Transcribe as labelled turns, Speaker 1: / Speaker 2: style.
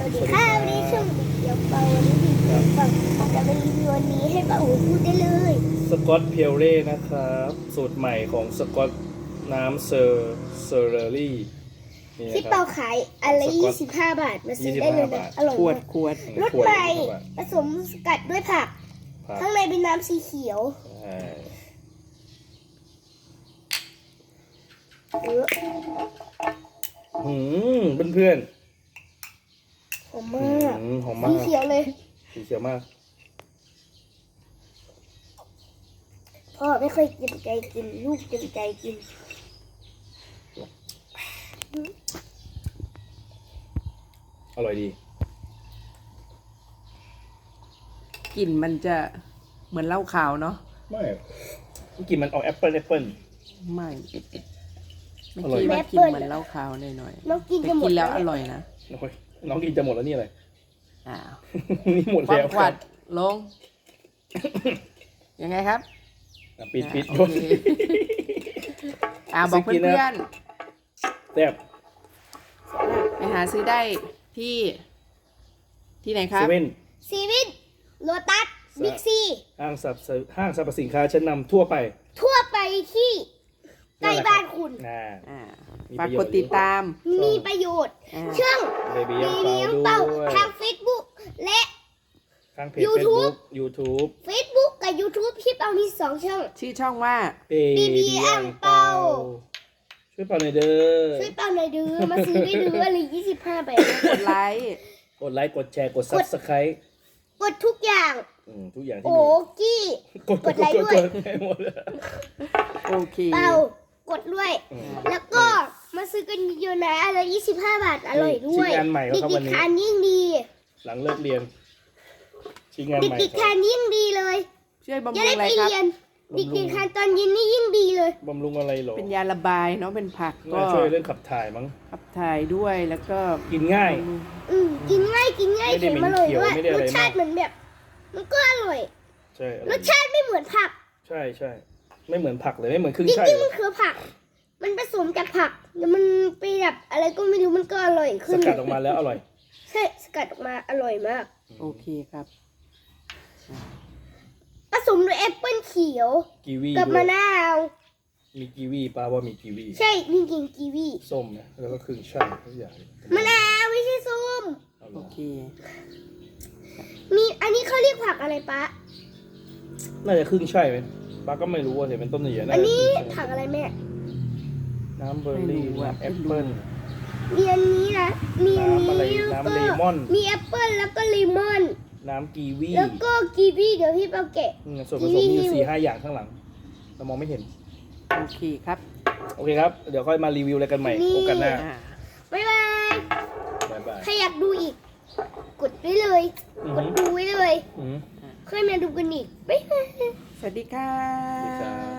Speaker 1: วัสดีค่ะวันนี้ช่วงเดี๋ยวเปาวันนี้พี่เดี๋ยวเปาจะมารีวิววันนี้ให้เปาพูดได้เลย
Speaker 2: สกอตเพียวเร่นะครับสูตรใหม่ของสกอตน้ำเซอร์เรอรี่นี่นะ
Speaker 1: ที่
Speaker 2: ครั
Speaker 1: เปา
Speaker 2: บ
Speaker 1: ขายอันละ25 บาทมาซื้อได้เลยนะอร่อย
Speaker 3: ขวด
Speaker 1: มาก
Speaker 3: ขวด
Speaker 1: รสใหม่ผสมสกัดด้วยผัก
Speaker 2: ผัก
Speaker 1: ข้างในเป็นน้ำสีเขียว
Speaker 2: ใช่
Speaker 1: เออ
Speaker 2: เพื่อน
Speaker 1: หอม
Speaker 2: ๆ
Speaker 1: มาก
Speaker 2: หอมมา
Speaker 1: สี
Speaker 2: ก
Speaker 1: เขียวเลย
Speaker 2: สีเขียวมาก
Speaker 1: พ่อไม่ค่อยเต็มใจกินลูกเต็มใจกิน
Speaker 2: อร่อยดี
Speaker 3: กลิ่นมันจะเหมือนเหล้าขาวเนาะ
Speaker 2: ไม่กลินมันออกแอปเปิล
Speaker 3: ไม่ไม่
Speaker 2: อร่อย
Speaker 3: คิดว่ากินเหมือนเหล้าขาวหน่อย
Speaker 1: น้องกิน
Speaker 3: ๆแต่
Speaker 1: จะหมด
Speaker 3: กินแล้ว
Speaker 1: เนี่ย
Speaker 3: อร่อยนะ
Speaker 2: โอ้ยน้องกินจะหมดแล้วนี่อะไร
Speaker 3: อ้าว
Speaker 2: นี่หมด
Speaker 3: ความ
Speaker 2: แล้ว
Speaker 3: ขวัดลง ยังไงครับ
Speaker 2: ปิด
Speaker 3: โอเคบอก
Speaker 2: ซื้อกินนะ
Speaker 3: เพื่อน
Speaker 2: แซ่บ
Speaker 3: ๆไปหาซื้อได้ที่ไหนค
Speaker 2: เซ
Speaker 3: รับ
Speaker 2: เว่น
Speaker 1: ซีวินโลตัสบิ๊กซี
Speaker 2: ห้างสรรพสินค้าชั้นนำทั่วไป
Speaker 1: ทั่วไปที่ใกล้บ้านคุณ
Speaker 2: น่า
Speaker 3: อ่า
Speaker 2: มี
Speaker 3: ฝาก
Speaker 2: ประโย
Speaker 3: ก
Speaker 2: ชน์
Speaker 3: ดติดตาม
Speaker 1: มีประโยชน์
Speaker 3: อ่า
Speaker 1: ช่อง
Speaker 2: เบบี้
Speaker 1: มี
Speaker 2: ยัง
Speaker 1: เลี้ยง
Speaker 2: เป่า
Speaker 1: เป่า
Speaker 2: ด้วย
Speaker 1: ทาง Facebook และ
Speaker 2: ทางเพจ
Speaker 1: YouTube
Speaker 2: YouTube
Speaker 1: Facebook กับ YouTube ที่เป่ามี2 ช่อง
Speaker 3: ชื่อช่องว่า
Speaker 2: Baby
Speaker 1: อังเปา
Speaker 2: ช่วยเป่าหน่อยเด้อ
Speaker 1: ช่วยเป่าหน่อยดื้อมาซื้อได้ดื้ออะไร25 บาท
Speaker 3: กดไลค์
Speaker 2: กดไลค์กดแชร์กด Subscribe
Speaker 1: กดทุกอย่าง
Speaker 2: ทุกอย่างที่
Speaker 1: โอ้
Speaker 2: มี
Speaker 1: กี้
Speaker 2: กด
Speaker 1: ไลค์ด้วย
Speaker 2: ให้หมดเลย
Speaker 3: โอเค
Speaker 1: เป่ากดด้วย แล้วก็มาซื้อกันเยอะๆนะอะไร25 บาทอร่อยด้วย
Speaker 2: ชิ้นงานใหม่ครับวัน
Speaker 1: เด็ก
Speaker 2: นี้
Speaker 1: ๆทานยิ่งดี
Speaker 2: หลังเลิกเรียนชิ้นงานใหม่
Speaker 1: เด็กๆทานยิ่งดีเลย
Speaker 3: ช่วยบำ
Speaker 1: จะ
Speaker 3: รุง
Speaker 1: ได้
Speaker 3: อะไร
Speaker 1: ไป
Speaker 3: ครับ
Speaker 1: เรียนเด็กๆทานตอนเย็นนี่ยิ่งดีเลย
Speaker 2: บำรุงอะไรหรอ
Speaker 3: เป็นยาระบายเนาะเป็นผักก็
Speaker 2: น่าช่วยเรื่องขับถ่ายมั้ง
Speaker 3: ขับถ่ายด้วยแล้วก็
Speaker 2: กินง่าย
Speaker 1: กินง่ายกินง่าย
Speaker 2: ไม่ได้
Speaker 1: เค็มอร่อยด้วย
Speaker 2: เหม็นเขียวไม่ได้อะ
Speaker 1: ร
Speaker 2: ไร
Speaker 1: สชาติ
Speaker 2: มาก
Speaker 1: เหมือนแบบ มันก็อร่อย
Speaker 2: ใช่อ
Speaker 1: ร
Speaker 2: ร่อย
Speaker 1: สชาติไม่เหมือนผัก
Speaker 2: ใช่ไม่เหมือนผักเลยไม่เหมือนครึ่ง
Speaker 1: จ
Speaker 2: ใช่
Speaker 1: ริงๆ
Speaker 2: เล
Speaker 1: มั
Speaker 2: ย
Speaker 1: นคือผัก มันผสมจากผักแล้วมันไปแบบอะไรก็ไม่รู้มันก็อร่อย
Speaker 2: ส
Speaker 1: ขึ้น
Speaker 2: กัดออกมาแล้วอร่อย
Speaker 1: ใช่สกัดออกมาอร่อยมาก
Speaker 3: โอเคครับ
Speaker 1: ผสมด้วยแอปเปิ้ลเขียว
Speaker 2: กีวี
Speaker 1: กับ
Speaker 2: ด้ว
Speaker 1: มะ
Speaker 2: ย
Speaker 1: นาว
Speaker 2: มีกีวีป้าว่ามีกีวี
Speaker 1: ใช่มีกินกีวี
Speaker 2: ส้มนะแล้วก็ครึ่งช่ายทุกอย่าง
Speaker 1: มะนาวไม่ใช่ส้ม
Speaker 2: เอาเหร
Speaker 3: โอ
Speaker 2: อ
Speaker 3: เค
Speaker 1: มีอันนี้เขาเรียกผักอะไรปะ
Speaker 2: น่าจะครึ่งช่ายไหมป้าก็ไม่รู้ว่าเห็นเป็นต้นใหญ่ๆน่า
Speaker 1: อัน
Speaker 2: จะ
Speaker 1: นี้
Speaker 2: ครึ่งช่าย
Speaker 1: ผักอะไรแม่
Speaker 2: น้ำเบอร์รี่
Speaker 3: ไม่รู้อะ
Speaker 2: น้ำแอปเปิ้ล
Speaker 1: มีอันนี้นะมีอัน
Speaker 2: น้ำอะไร
Speaker 1: นี้แล้ว
Speaker 2: น้ำ
Speaker 1: ก็
Speaker 2: เลมอน
Speaker 1: มีแอปเปิ้ลแล้วก็เลมอน
Speaker 2: น้ำกีวี
Speaker 1: แล้วก็กีวีเดี๋ยวพี่เปาแกะ
Speaker 2: ส่วนผสมมีอยู่4-5 อย่างข้างหลัง เรามองไม่เห็น
Speaker 3: โอเคครับ
Speaker 2: โอเคครับ เดี๋ยวค่อยมารีวิวอะไรกันใหม่
Speaker 1: นี่
Speaker 2: โอกาสหน้า
Speaker 3: อ่า
Speaker 1: บ๊ายบาย
Speaker 2: บ๊ายบาย
Speaker 1: ถ้าอยากดูอีก กดไว้เลย
Speaker 2: อือ
Speaker 1: ก
Speaker 2: หื
Speaker 1: ด
Speaker 2: อ
Speaker 1: ดูไว้เลย
Speaker 2: อือหือ
Speaker 1: ค่อยมาดูกันอีกบ๊ายบาย
Speaker 3: สวัสดีครั
Speaker 2: สวัสดีครับ บ